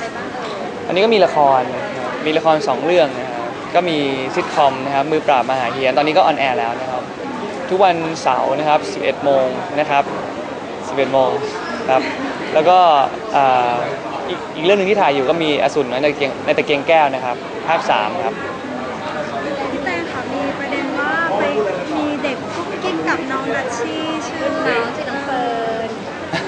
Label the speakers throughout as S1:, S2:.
S1: บ้าง
S2: อันนี้ก็มีละคร2เรื่องนะครับก็มีซิทคอมนะครับมือปราบมหาเฮียนตอนนี้ก็ออนแอร์แล้วนะครับทุกวันเสาร์นะครับ11โมงนะครับ11โมงครับแล้วก็อีกเรื่องหนึ่งที่ถ่ายอยู่ก็มีอสูรในตะเกียงแก้วนะครับภาค3ครับ
S3: พี่แตงค่ะมีประเด็นว่าไปมีเด็กกุ๊กกิ๊กกับน้องดัชชี่ชื่อน้องเฟิร์น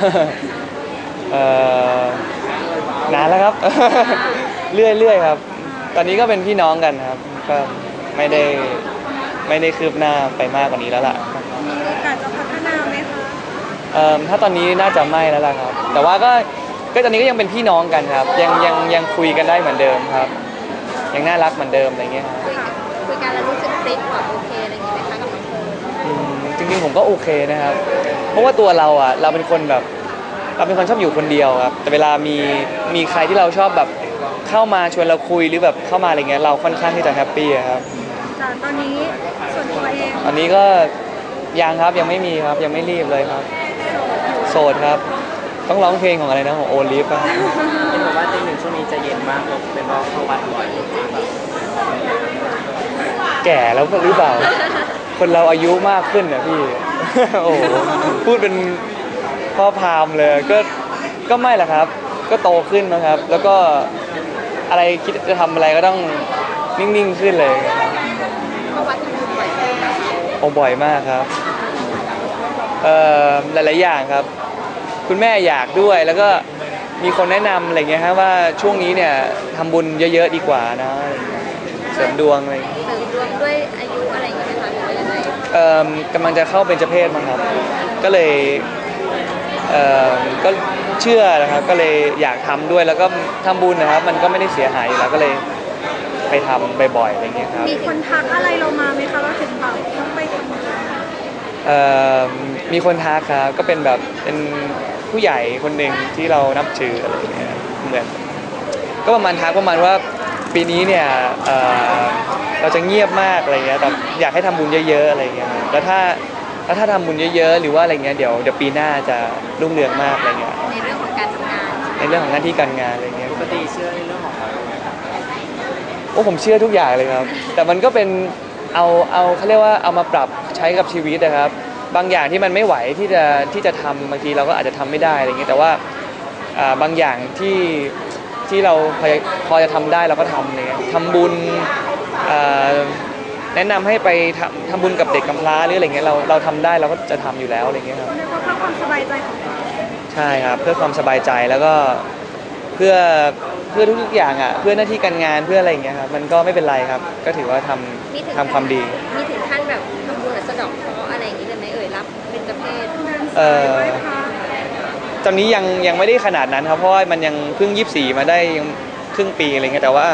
S2: นานแล้วครับ เรื่อยครับตอนนี้ก็เป็นพี่น้องกันครับก็ไม่ได้คืบหน้าไปมากกว่านี้แล้วล่ะ
S3: มีโอกาสจะพัฒนาไหมคะ
S2: ถ้าตอนนี้น่าจะไม่แล้วล่ะครับแต่ว่าก็ตอนนี้ก็ยังเป็นพี่น้องกันครับยังคุยกันได้เหมือนเดิมครับยังน่ารักเหมือนเดิมอะไรเงี้ย
S1: คุยกันแล้วรู้สึกคลิกแบบโอเคอะไรอย่างงี้ไหมคะกับน้องเฟิร์น
S2: จริงๆผมก็โอเคนะครับเพราะว่าตัวเราเป็นคนแบบเราเป็นคนชอบอยู่คนเดียวครับแต่เวลามีใครที่เราชอบแบบเข้ามาชวนเราคุยหรือแบบเข้ามาอะไรเงี้ยเราค่อนข้างที่จะแฮปปี้ครับ
S3: แต่ตอนนี้ส่วนตัวเอง
S2: ตอนนี้ก็ยังครับยังไม่มีครับยังไม่รีบเลยครับโสดครับต้องร้องเพลงของอะไรนะของโอลิฟอะ
S4: เห็นบอกว่าตีหนึ่งช่วงนี้จะเย็นมากเลยเป็นเพราะเข้าวัดบ่อย
S2: แก่แล้วหรือเปล่าคนเราอายุมากขึ้นนะพี่ โอ้พูดเป็นพ่อพามเลยก็ไม่ละครับก็โตขึ้นนะครับแล้วก็อะไรคิดจะทำอะไรก็ต้องนิ่งๆขึ้นเลย
S1: เข้าวัดทำบุญบ่อยไหมคะ
S2: โอ้บ่อยมากครับหลายๆอย่างครับคุณแม่อยากด้วยแล้วก็มีคนแนะนำอะไรเงี้ยฮะว่าช่วงนี้เนี่ยทำบุญเยอะๆดีกว่านะเสริมดวงอะไร
S1: เสริมดวงด้วยอายุอะไรอย่างเงี้ยไหมคะหรือว่ายังไง
S2: กำลังจะเข้าเป็นเจ้าเพศมั้งครับก็เลยก็เชื่อนะครับก็เลยอยากทำด้วยแล้วก็ทำบุญนะครับมันก็ไม่ได้เสียหายอยู่แล้วก็เลยไปทำบ่อยๆอะไรเงี้ยครับ
S3: มีคนทักอะไรเรามาไหมคะว่าถึงแบบต้องไปทำบุญ
S2: มีคนทักครับก็เป็นแบบเป็นผู้ใหญ่คนหนึ่งที่เรานับถืออะไรเงี้ยเหมือนก็ประมาณทักประมาณว่าปีนี้เนี่ยเราจะเงียบมากอะไรเงี้ยแต่อยากให้ทำบุญเยอะๆอะไรเงี้ยแล้วถ้าทำบุญเยอะๆหรือว่าอะไรเงี้ยเดี๋ยวปีหน้าจะรุ่งเรืองมากอะไรเงี้ย
S1: ในเรื่องของการทำงาน
S2: ในเรื่องของหน้าที่การงานอะไรเงี้ย
S4: ปกติเชื่อในเรื่องของอะไรไหมครับ
S2: โอ้ผมเชื่อทุกอย่างเลยครับแต่มันก็เป็นเอาเขาเรียกว่าเอามาปรับใช้กับชีวิตนะครับบางอย่างที่มันไม่ไหวที่จะทำบางทีเราก็อาจจะทำไม่ได้อะไรเงี้ยแต่ว่าบางอย่างที่เราพอจะทำได้เราก็ทำเลยทำบุญแนะนำให้ไปทำบุญกับเด็กกำพร้าหรืออะไรเงี้ยเราทำได้เราก็จะทำอยู่แล้วอะไรเงี้ยครับ
S3: เรียกว่าเพื่อความสบายใจของเรา
S2: ใช่ครับเพื่อความสบายใจแล้วก็เพื่อทุกอย่างอ่ะเพื่อหน้าที่การงานเพื่ออะไรเงี้ยครับมันก็ไม่เป็นไรครับก็ถือว่าทำความดี
S1: มีถึงขั้นแบบทำบุญสะเดาะเคราะห์อะไรอย่างนี้เลยไหมรับเป็นเจ้าเพศ
S2: ตอนนี้ยังไม่ได้ขนาดนั้นครับเพราะว่ามันยังเพิ่ง24มาได้ยังครึ่งปีอะไรเงี้ยแต่ว่า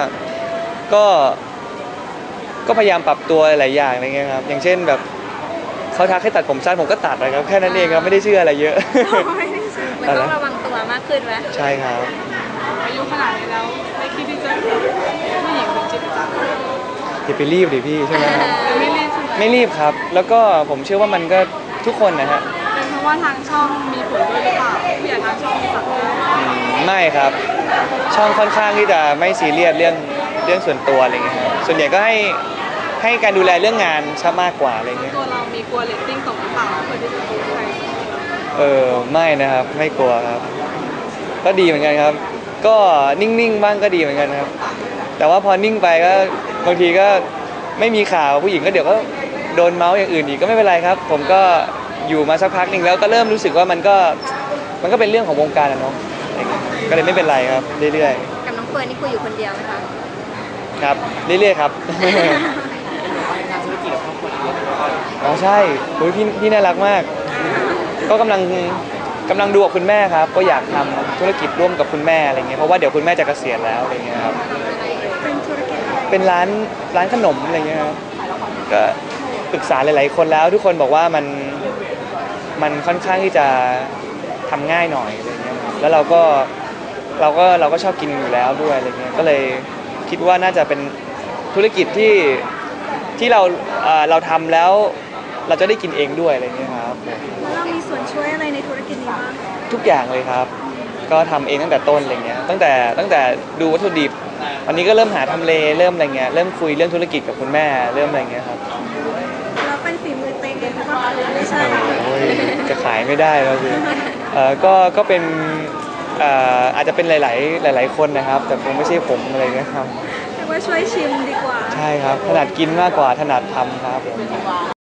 S2: ก็พยายามปรับตัวหลายอย่างอะไรเงี้ยครับอย่างเช่นแบบเขาทักให้ตัดผมสั้นผมก็ตัดเลยครับแค่นั้นเองครับไม่ได้เชื่ออะไรเยอะ
S1: มันต้องระวังตัวมากขึ้นไหม
S2: ใช่ครับ
S3: อายุขนาดนี้แล้วไม่คิดที่จะผู้หญิงเป็นจิตจัง
S2: อย่าไปรีบดิพี่ใช่ไหมไม่รีบครับแล้วก็ผมเชื่อว่ามันก็ทุกคนนะฮะ
S3: เป็นเพราะว่าทางช่องมีผลด้วยหรือเปล่าผู้ใหญ่ทางช่องมีสั่ง
S2: ไม่ครับช่องค่อนข้างที่จะไม่ซีเรียสเรื่องส่วนตัวอะไรเงี้ยครับส่วนใหญ่ก็ให้การดูแลเรื่องงานซะมากกว่าอะไรเงี้ย
S3: ตัวเรามีกลัวเรตติ้งตกหรือเปล่าเพื่อที่จะดูใคร
S2: ไม่นะครับไม่กลัวครับก็ดีเหมือนกันครับก็นิ่งๆบ้างก็ดีเหมือนกันครับแต่ว่าพอนิ่งไปก็บางทีก็ไม่มีข่าวผู้หญิงก็เดี๋ยวก็โดนเมาส์อย่างอื่นอีกก็ไม่เป็นไรครับผมก็อยู่มาสักพักหนึ่งแล้วก็เริ่มรู้สึกว่ามันก็เป็นเรื่องของวงการนะเนาะก็เลยไม่เป็นไรครับเรื่อย
S1: ๆกับน้องเฟิร์นนี่คุยอยู่คนเดียวไหมคะ
S2: ครับเรื่อยๆครับ
S4: งานธุรกิจกับครอบครัวเยอะ
S2: อ๋อใช่พี่น่ารักมากก็กำลังดูกับคุณแม่ครับก็อยากทำธุรกิจร่วมกับคุณแม่อะไรเงี้ยเพราะว่าเดี๋ยวคุณแม่จะเกษียณแล้วอะไรเงี้ยครับเป็นร้านขนมอะไรเงี้ยครับก็ปรึกษาหลายๆคนแล้วทุกคนบอกว่ามันค่อนข้างที่จะทำง่ายหน่อยอะไรเงี้ยแล้วเราก็ชอบกินอยู่แล้วด้วยอะไรเงี้ยก็เลยคิดว่าน่าจะเป็นธุรกิจที่เราทำแล้วเราจะได้กินเองด้วยอะไรเงี้ยครับ
S3: เรามีส่วนช่วยอะไรในธุรกิจนี้บ้าง
S2: ทุกอย่างเลยครับก็ทำเองตั้งแต่ต้นอะไรเงี้ยตั้งแต่ดูวัตถุดิบวันนี้ก็เริ่มหาทำเลเริ่มอะไรเงี้ยเริ่มคุยเรื่องธุรกิจกับคุณแม่เริ่มอะไรเงี้ยครับ
S3: แล้วเป็นฝีมือเต็งเองหรือเปล่าคะไม่ใช่
S2: โอ้ยจะขายไม่ได้แล้วสิก็เป็นอาจจะเป็นหลายๆคนนะครับ แต่คงไม่ใช่ผมอะไรเงี้ยครับ
S3: เรียกว่าช่วยชิมดีกว่า
S2: ใช่ครับถนัดกินมากกว่าถนัดทำครับ